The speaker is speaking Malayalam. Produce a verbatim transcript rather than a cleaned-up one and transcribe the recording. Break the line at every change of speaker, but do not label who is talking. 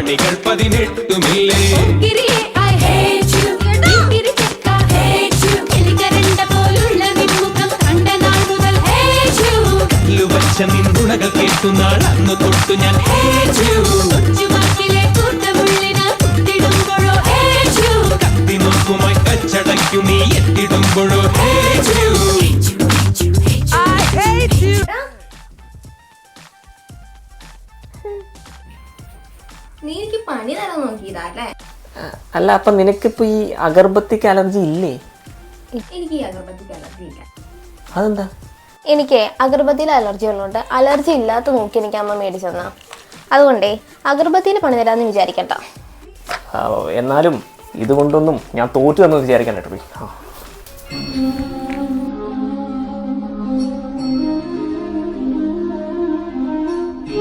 മണികൾ പതിനെട്ടുമില്ലേ വച്ച നിന്നുണകൾ കേട്ടുന്നാൾ അന്ന് തൊട്ടു ഞാൻ കത്തി നോക്കുമായി കച്ചടയ്ക്കു നീ എത്തിടുമ്പോഴോ
നീ എനിക്ക് പണി തരാൻ നോക്കിയതല്ലേ?
അല്ല അപ്പൊ നിനക്കിപ്പോ ഈ അഗർബത്തിക്ക് അലർജി ഇല്ലേ?
എനിക്ക് ഈ അഗർബത്തിക്ക് അലർജി ഇല്ല.
അതെന്താ?
എനിക്ക് അഗർബത്തിയിൽ അലർജി ഉള്ളതുകൊണ്ട് അലർജി ഇല്ലാത്ത നോക്കി എനിക്ക് അമ്മ മേടിച്ചു തന്നാ. അതുകൊണ്ടേ അഗർബത്തിയിൽ പണി തരാമെന്ന് വിചാരിക്കണ്ട.
എന്നാലും ഇതുകൊണ്ടൊന്നും ഞാൻ തോറ്റു എന്ന് വിചാരിക്കാൻ കേട്ടോ.